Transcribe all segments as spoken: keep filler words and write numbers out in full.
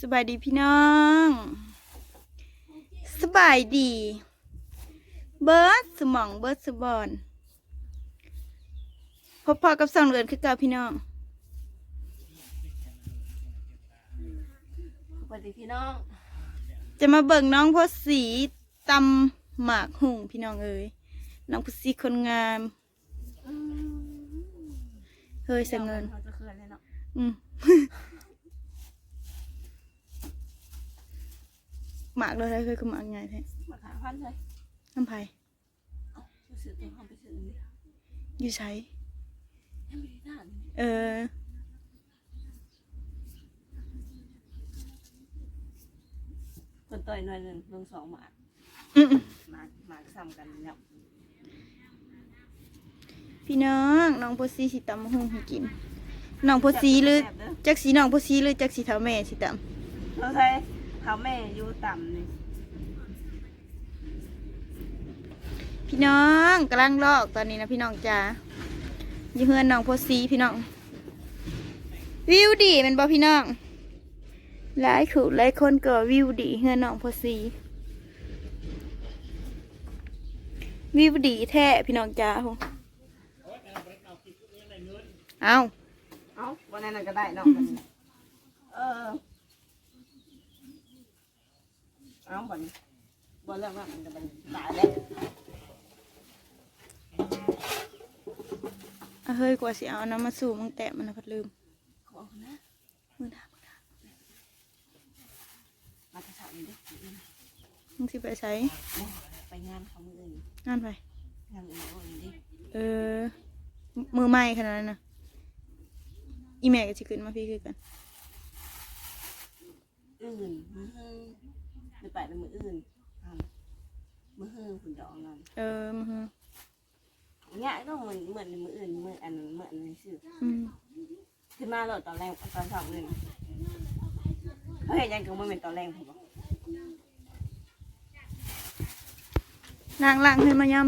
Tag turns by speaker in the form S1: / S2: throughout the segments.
S1: สบายดีพี่น้องสบายดีเบิร์ดสมองเบิร์ดสบอนพบพอกับสองเดือนคือเก่าพี่น้อง
S2: สวัสดีพี่น้อง
S1: จะมาเบิ่งน้องพอสีตำหมากหุ่งพี่น้องเอ้ยน้องพอสีคนงามเฮ้ยเสียเงิน
S2: เขาจะเคืนเลยเนาะ
S1: อืมหมากเลยเคยคือหมากไงแท้
S2: มาหาพันเลย
S1: น้ำไผ่
S2: ไปซื้อตัวเขาไปซื้อนี่
S1: อยู่ใช้
S2: ยังไม่ได้ด่าน
S1: เออ
S2: คนต่อยหน่อยหนึ่งลงสองหมา
S1: อืม
S2: หมาหมาซ้ำกันเนี่ย
S1: พี่น้องน้องพอสีสิตำหุ่งให้กินน้องพอสีหรือจักสีน้องพอสีหรือจักสีเท้าแม่สิตำ
S2: เราใช้เท้าแม่อยู่ต่ำนี่
S1: พี่น้องกำลังลอกตอนนี้นะพี่น้องจ้าอยู่เฮือนน้องพอสีพี่น้องวิวดีเป็นบ่พี่น้องหลายขู่หลายคนก็วิวดีเฮือนน้องพอสีวิวดีแท้พี่น้องจ้าเอา
S2: เอาวันนั้นก็ได้เนาะเออเอาบ่นบ่นแล้วว่ามันจะเป็นตายแล้ว
S1: เฮ้ยกว่าสิเอาน้ำมาสู่มึงแตะมันนะพัดลืม
S2: ขอนะ
S1: มือหนามือหนา
S2: มาจะสาวนี่ดิ
S1: มึงสิไปใช้
S2: ไปงานเขามืออื่น
S1: งานไป
S2: งานอื่นอื่นดิ
S1: เออมือไหม้ขนาดนั้นนะอีแม่ก็จะขึ้นมาพี่คือกัน
S2: อื่นมือฮือไปไปเป็นมืออื่นมือฮือคุณดองนั่น
S1: เออมือฮือ
S2: เนี่ยต้องเหมือนเหมือนมืออื่นมืออันเหมือนอะไรสิขึ้นมาเลยตอนแรกตอนสองเลยเขาเห็นยังกับมันเป็นตอนแรกผมบอก
S1: ล้างล้างให้มายำ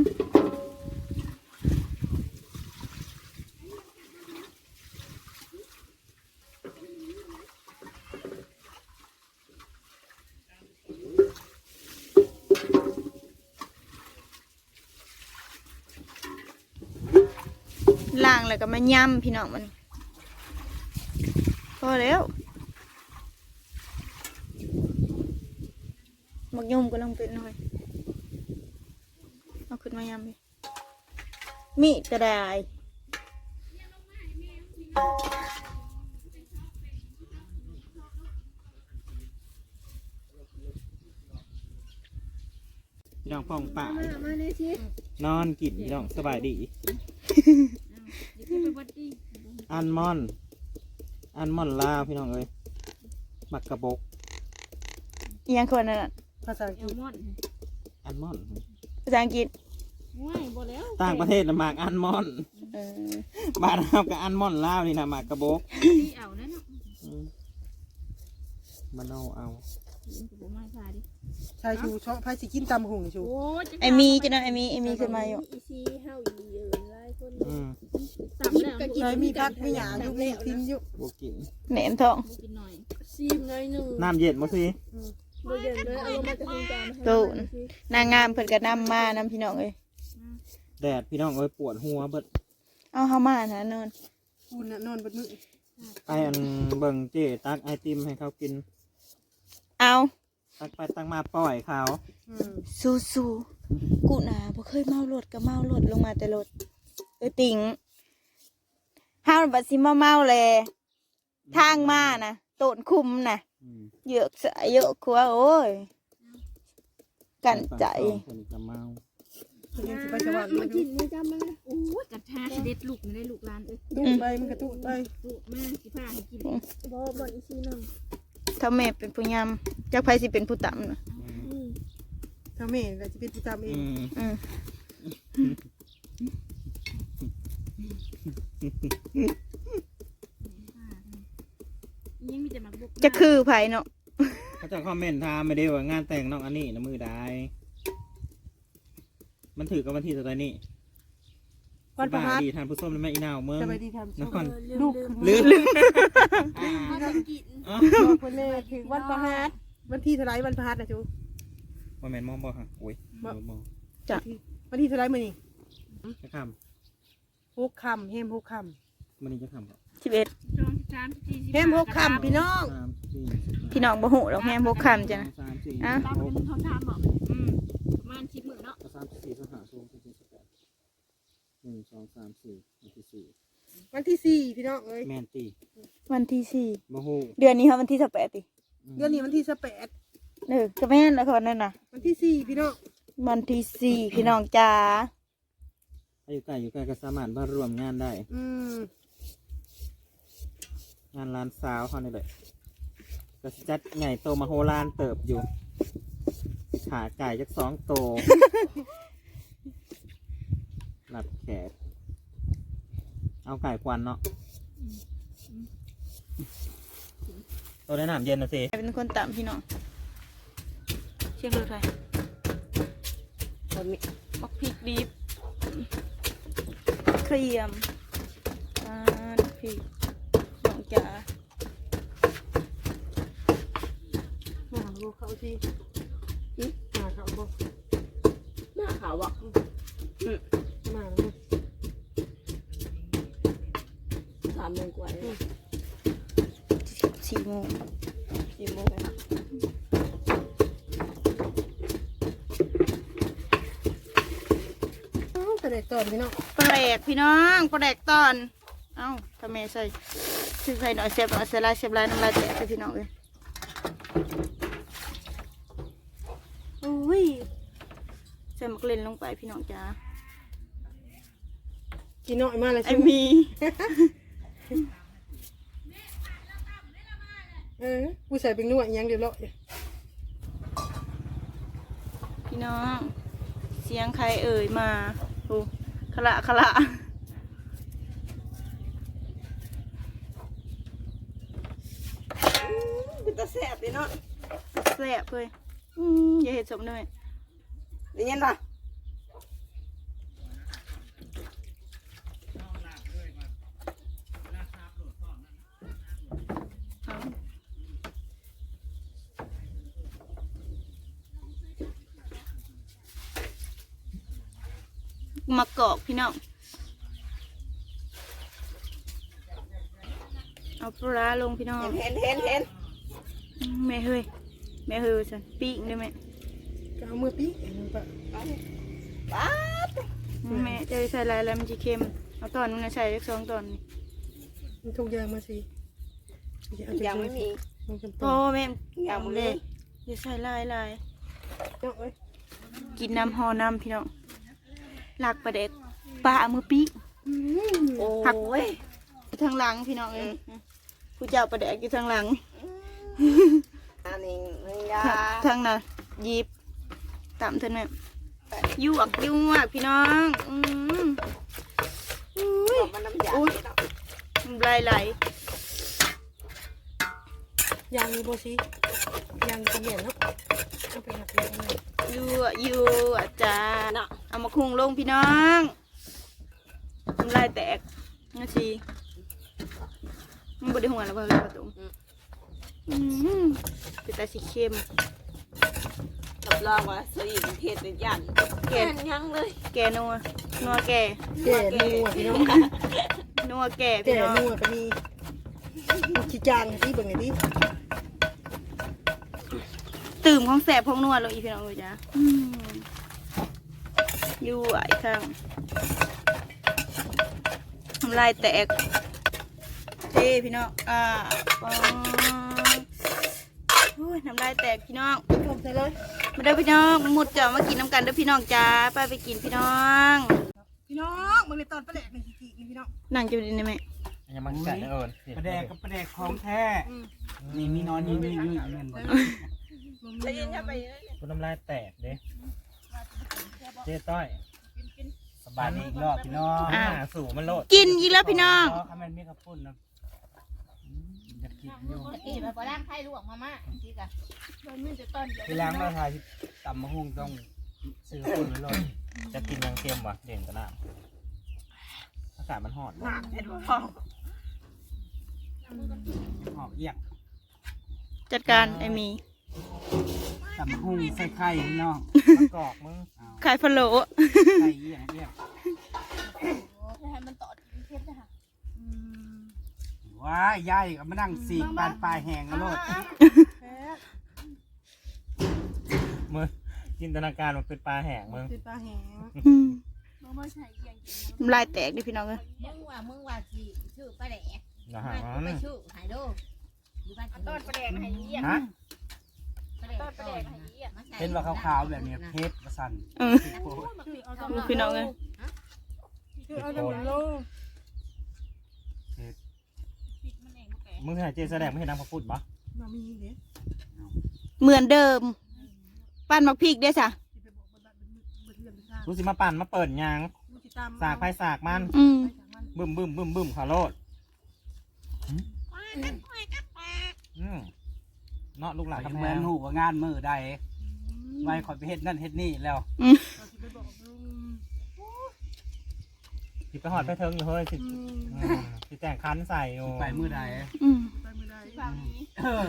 S1: ล้างแล้วก็มายำพี่น้องมันพอแล้วมักยุ่มก็ลองเป็นหน่อยเอาขึ้นมายำดิมีดก็ได้
S3: พี่น้องพ่องป่านอนกินพี่น้องสบายดีอันมอนอันมอนลาวพี่น้องเอ้ยมักกระบก
S1: ยังคนนั่น
S2: ภาษาอังกฤษ
S3: อันมอน
S1: ภาษาอังกฤษ
S3: ต่างประเทศนะหมากอันมอนบ้านเรากับอันมอนลาวนี่นะหมากกระบกมันเอาเอา
S4: ชายชูชอบพายสิกินตำหุ่งชู
S1: ไอมีจะนั่นไอมีไอมีขึ้นมาอยู่
S4: ชายมีพักไม่หยาอยู่มีทิ้งอยู่
S3: บกิน
S1: แหนมทอง
S3: น้ำเย็นมาสิ
S1: ตูนนางงามเพิ่นก็นำมาน้ำพี่น้องเอ้ย
S3: แดดพี่น้องเอ้ยปวดหัวเบิด
S1: เอาเข้ามานะนอน
S4: คุณน่ะนอนบนมือ
S3: ไปอันเบิ่งเจ๊ตักไอติมให้เขากิน
S1: เอา
S3: ตักไปตักมาปล่อยเขา
S1: สู้สู้กูน่ะบ่เคยเมารถก็เมารถลงมาแต่รถเออติ่งห้าวบัดสิมาเมาเลยทางมานะโตนคุมนะเยอะสายเยอะกว่าโอ้ยกันใจ
S3: เมา
S4: ไปสวรรค์มากินไม่จำมา
S2: โอ้ยกระทาเด็ดลูกไม่ได้ลูกลานเอ้ย
S4: ตู้ไปมันกระตู้ไป
S2: ตู้แม่สิพาให้กินบ่บ่อีซีนึง
S1: ถ้าแม่เป็นผู้ยำจักไผสิเป็นผู้ต่ำนะ
S4: ถ้าแม่ก็จะเป็นผู้จำเอง
S1: จะคือไผเนาะ
S3: เขาจะคอมเมนต์ถามไม่ได้ว่างานแต่งน้องอันนี้นะมือได้มันถือกับวันที่ตัวนี้วันประหัสดีทานผู้ส้มและแม่อีนาวเมืองนคร
S4: ลูก
S3: ลืม
S4: บอกคนแน่ถึงวันประหัสวันที่เท่าไรวันประหัสนะจู
S3: ว่าแมนมองบ่ค่ะโอ้ยมองมอง
S1: จ้ะ
S4: วันที่เท่าไรมื้อนี้
S3: จะค
S4: หกคำเฮมหกค
S3: ำมันนี่จะคำบ่
S1: สิบเอ็ด
S4: ำเฮมหกคำพี่น้อง
S3: สามสี่
S1: พี่น้องบ่หูหรอกแฮมบ่คำจ้ะนะ
S3: สามสี่
S1: อ่ะ
S3: หก
S2: เขาทำบอกอืมประมาณสิบหมื่นเนาะ
S3: สามสี่สหาสูงสี่สิบแปดหนึ่งสองสามสี่วันที่สี่
S4: วันที่สี่พี่น้องเอ้ย
S3: แมนตี
S1: วันที่สี่
S3: โมโห
S1: เดือนนี้ค่ะวันที่สิบแปดติ
S4: เดือนนี้วันที่สิบแปด
S1: เออก็แม่นแล้วคนนั้นน่ะ
S4: วันที่สี่พี่น้อง
S1: วันที่สี่พี่น้องจ้า
S3: อยู่ใกล้อยู่ใกล้ก็สามารถมารวมงานได้
S4: อืม
S3: งานร้านสาวเขานี่แหละก็สิจัดใหญ่โตมาโหรานเติบอยู่ขาไก่จักสองโต หลับแขกเอาไก่ควันเนาะตัวได้น้ำเย็นนะสิ
S1: เป็นคนต่ำพี่น้องเชียงรถไฟ
S2: คนมี
S1: บักพริกดิบเครียมอ่าพริกน้องจ๋า
S4: มาดูเขาสิมาเขาบอก
S2: หน้าขาวอ่ะ
S4: มาดู
S2: สามโมงกว่าเลย
S1: สี่โมง
S2: สี่โมงเลย
S4: เอ้าแต่เด็กตอนพี่น้อง
S1: ปลาแดกพี่น้องปลาแดกตอนเอ้าทำไมใส่ซื้อใส่หน่อยเสียบหน่อยเสียลายเสียบลายน้ำลายแตกเลยพี่น้องเลยโอ้ยใส่มักเล่นลงไปพี่น้องจ้า
S4: กินน้อยมาเลย
S1: ไอ
S4: ชิ
S1: มี
S4: เออผู้ใส่เป็นนวดยังเดี๋ยวเลาะ
S1: พี่น้องเสียงใครเอ่ยมาโอ้ขละขละ
S2: เป็นตาแซ่บเลยเนาะ
S1: แสบเลยอืมอย่าเห็ดสมเลย
S2: ได้ยินป่ะ
S1: เอามากอกพี่น้องเอาปลาลงพี่น้อง
S2: เห็นเห็นเห็น
S1: แม่เฮ้ยแม่เฮ้ยสันปีกได้ไหม
S4: ก็เอามือปีกปะ
S2: ป๊าด
S1: แม่จะใส่อะไรแล้วมันจะเค็มเอาตอนมันใส่เล็กสองตอนนี่
S4: มันทุกอย่างมาสิเอา
S2: ยังไม่มี
S4: มันจำ
S1: โอ้
S4: เป็น
S1: แม่
S2: ยังไม่
S1: เล
S2: มี
S1: ยจะใส่ลายลาย
S4: เนาะเอ้ย
S1: กินน้ำหอน้ำพี่น้องหลักประเด็กปลาเอามือปีก
S2: โอ้ย
S1: ทางหลังพี่น้องเองผู้เจ้าประเด็กอยู่ทางหลัง
S2: อันนี้นี่ยา
S1: ทางน่ะหยิบตามเท่านั้นยวกยวกพี่น้องอืมอุ้ย
S2: มันน้ำยา
S1: น้ำลายไหล
S4: ยางมีโบซียางเป็นเหรียญเนาะเอาไปหักเลย
S1: ยั่วยั่วจ้าเนาะเอามาคุงลงพี่น้องน้ำลายแตกงั้นสิมันบไดหัวแล้วเปล่าเลยประตูอืมเป็นตาสีเข้ม
S2: รับรองว่าสีเทศเป็นยันแก่ยังเลย
S1: แกนัวนัวแก
S4: แก่นัวพี่น้อง
S1: นัวแก
S4: แก่
S1: พี่น้อง
S4: นัวก็มีขี้จางที่เบิ่งไงดิ
S1: ตื่มของแสบของนัวลงอีพี่น้องเลยจ้าอืมยั่วอีกครั้งน้ำลายแตกเท่พี่น้องอ่าปองโอ้ยน้ำลายแตกพี่น้อง
S4: ลงใส่เลย
S1: มาเด้อพี่น้องหมดจะมากินน้ำกันเด้อพี่น้องจ้าไปไปกินพี่น้อง
S4: พี่น้องมึงในตอนประแดกในขี้ขี้นี่พี่น้อง
S1: นั่งจะดีนะแม่
S3: ยังมันกัดเอิญ
S5: ประแดกกับประแดกของแท้นี่มีนอนยืนยืนยืนเงินบ่
S2: ได้ยินยังไป
S3: คุณน้ำลายแตกเด้เจ๊ต้อย
S5: สบายดีอีกรอบพี่น้อง
S3: หน้าสู่มันโลด
S1: กินอีกแล้วพี่น้อง
S5: เพราะมันมีข้าวปุ้นนะอยากกินอยู่
S6: อีแบบว่าร่างไข่ลวกมาม่าที่กะมันมีแต่ต้นเดียว
S5: เวลาเราถ่ายตำมะฮุ่งต้องซื้อข้าวปุ้นไว้เลย
S3: จะกินยังเค็มวะเด่นกระน้ำอากาศมันหอด
S2: หนักเห็นบ่
S5: หอกเอียก
S1: จัดการไอ้มี
S5: ตำหุ่งใส่ไข่พี่น้อง
S3: มะกอกมึง
S5: เอา
S1: ขายพะโล้
S5: ไข่เอี่ยงเอี่ยง
S6: ให้มันต่อเพชรนะคะ
S5: ว้ายยายก็มานั่งสีกปานปลายแหงกันโลด
S3: มึงจินตนาการมันเป็นปลาแห้งมึง
S4: ติดปลาแหง
S1: อืม
S6: มึงมาใช้เกี่ยงกิน
S1: น้ำลายแตกดิพี่น้องเอ้ย
S7: มึงว่ามึงว่าสิชื่อปลาแหลก
S3: นะฮะ
S7: มากูไปชื่อหายดูอยู่บ้าน
S6: ต้นประแดงให้เยี่ยม
S3: ฮะ
S7: ปลาแหลก
S6: ต้นประแดงให้เยี่ยม
S7: มาใส่
S5: เป็นว่าขาวๆแบบนี้เพชรประสัน
S1: เออ
S6: เอา
S1: ดูพี่น้องเอ้ย
S4: คือเอาแต่หมดโล
S6: ปิดมันเองแก
S3: มึงหายเจแสดงไม่เห็นน้ำพระพุทธปะ
S4: มามีเด้
S1: เหมือนเดิมปั้นมักพริกเด้อจ้ะ
S4: สิไปบอกบ้านเบิ่งเรื่องทาง
S3: รู้สิมาปั่นมาเปิดยาง
S4: กูสิตาม
S3: สากไฟสากมัน
S1: อืม
S3: บึ้มบึ้มบึ้มบึ้มขาโลดอืมเนาะลูกหลาน
S5: ยัง
S3: ทำ
S5: เห
S3: แพ
S5: มือน
S3: ง
S5: หูว่างานมือได้ไว้ขอยไปเฮ็ดนั่นเฮ็ดนี่แล้ว
S1: อืม
S4: เราสิไปบอกลุง
S3: สิไปหอดไปเทิงอยู่เฮ้ยสิ
S4: อืม
S3: อืมสิแต่งคันใส่อยู่
S5: ไปมือใด
S1: อืม
S4: ไปไม่ได้
S6: ฝั่งนี้
S5: เออ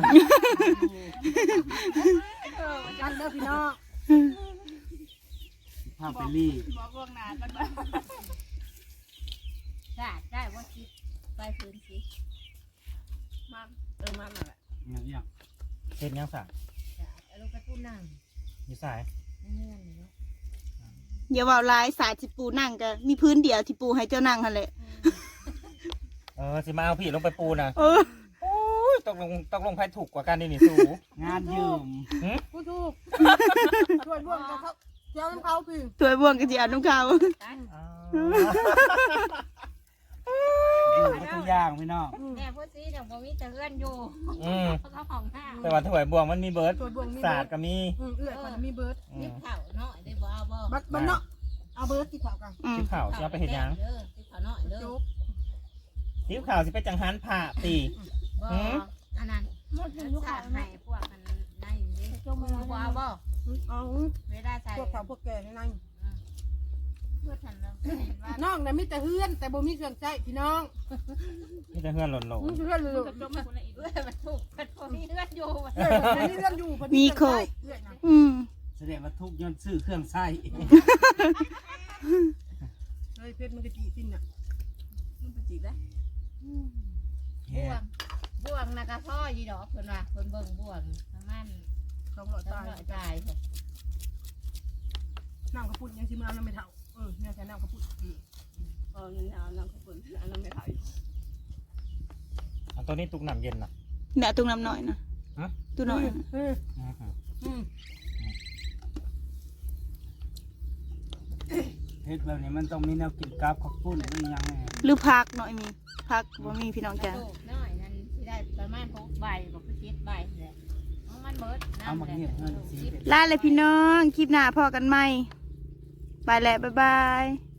S4: กันเด้อพี่น้อง
S5: พาไปรีด
S6: บอกล่วงหน้ากันว่า
S7: ได้ได้ว่าสิไปพื้นสิ
S6: มา
S2: เออมามาแหละ
S5: อย่างเงี้ย
S3: เห็นยังสั่ง
S7: จะเอาลูกกระตุ้นนั่ง
S3: อยู่สาย
S7: เงื่อนเนาะ
S1: อย่าว่าลายสายที่ปูนั่งกันมีพื้นเดียวที่ปูให้เจ้านั่งหั่นแหละ
S3: เออสิมาเอาผีลงไปปูนะ
S1: เออ
S3: โอ้ยตกลงตกลงใครถูกกว่ากันนี่นี่สู
S5: งานยืม
S4: กูถูกช่วยร่วมกับเขาเจ้าน้ำเขาพี่
S1: ตัวบ่วงกันสิอ่านนุ่งขาว
S7: กัน
S3: อ่า
S5: ยืมมาทุกอย่างพี่น้อง
S7: แม่พูดสิเดี๋ยวบ่มีแต่เงื่อนอยู่
S3: อืม
S7: เขาของห้าง
S3: แต่ว่าถวายบวงมันมีเบิร์ด
S4: ช่วยบ่วงมี
S3: ศา
S4: เบิ
S3: ส
S4: ร์
S3: ต
S4: ด
S3: ร์ก็มี
S4: อืมเอื้อยมันมีเบิร์ด
S3: อื
S7: นิ
S3: ม
S7: บเข่าเนาะได้บ่เอาบ่
S4: บัดบัดเนาะเอาเบิร์ดที่เขากัน
S1: อืม
S3: ซิ้วข่าวสิเอาไปเห็นยัง
S7: เด้อนิบเข่าน้อยเด้อ
S4: จุ๊บ
S3: ซิ้วข่าวสิไปจังหันผ่าตี
S7: บ่อันนั้น
S6: หมดเลยลูก
S7: สา
S6: ค้า
S7: ดให้พวกกันได้อยู่นี่
S6: จมมา
S7: บ่เอาบ่
S4: เอา
S7: เวลาใส่
S4: พวกเขาพวกแก่ในนั้น
S6: เพื่อทันแล้วเห็นว่า
S4: น้องน่ะมีแต่เฮือนแต่บ่มีเครื่องใช้พี่น้อง
S3: นี่จะเฮือนหล่นหลง
S4: มึงเฮือนเลย
S6: จมมาคนละอีก
S7: เอ้ยมันถูกมันบ่มีเลือดอยู่
S4: เอื้อยมันมีเรื่องอยู่เพิ่นเครื่องใช้เอื้อยนะ
S1: อืม
S5: แสดงว่าทุกยนต์ซื้อเครื่องใช้
S4: เฮ้ยเพชรมันก็จีสิ้นน่ะ
S6: มันเป็นจีบแล้ว
S7: บ่วงบ่วงนะก็พ่อยีดอกเพิ่นว่าเพิ่นเบิ่งบ่วงประมาณ
S4: สองร้อย
S7: ต้อ
S4: ตาง ย
S7: ร้อยตายเถอะ
S4: น้ำกระพุ้นยังสิมาเอาน้ำไม่เท่าเออเนี่ยแค่น้ำกระพุ้น
S2: เออเงินเอาน้ำขอบคุณเอาน้ำไม่เผาอยู่
S3: อันตัวนี้ตุกน้ำเย็นนะ
S1: เนี่ยตุ้งน้ำหน่อยนะ
S3: ฮะ
S1: ตุ้งหน่อยนะ
S4: เออ
S3: อือหือ
S4: อืม
S5: เฮ็ดแบบนี้มันต้องมีแนวกินกับข้าวปุ้นหรือยังไง
S1: หรือพักหน่อยมีพักบ่มีพี่น้องจ้า
S7: ลูกน้อยนั่นสิได้ประมาณหกใบบอกคือเจ็ดใบแหละเอามันเบิด
S5: เอามา
S7: น้ำ
S5: เงียบเงินสี
S1: ลาเลยพี่น้อง คลิปหน้าพอกันไหมไปแล้วบ๊ายบาย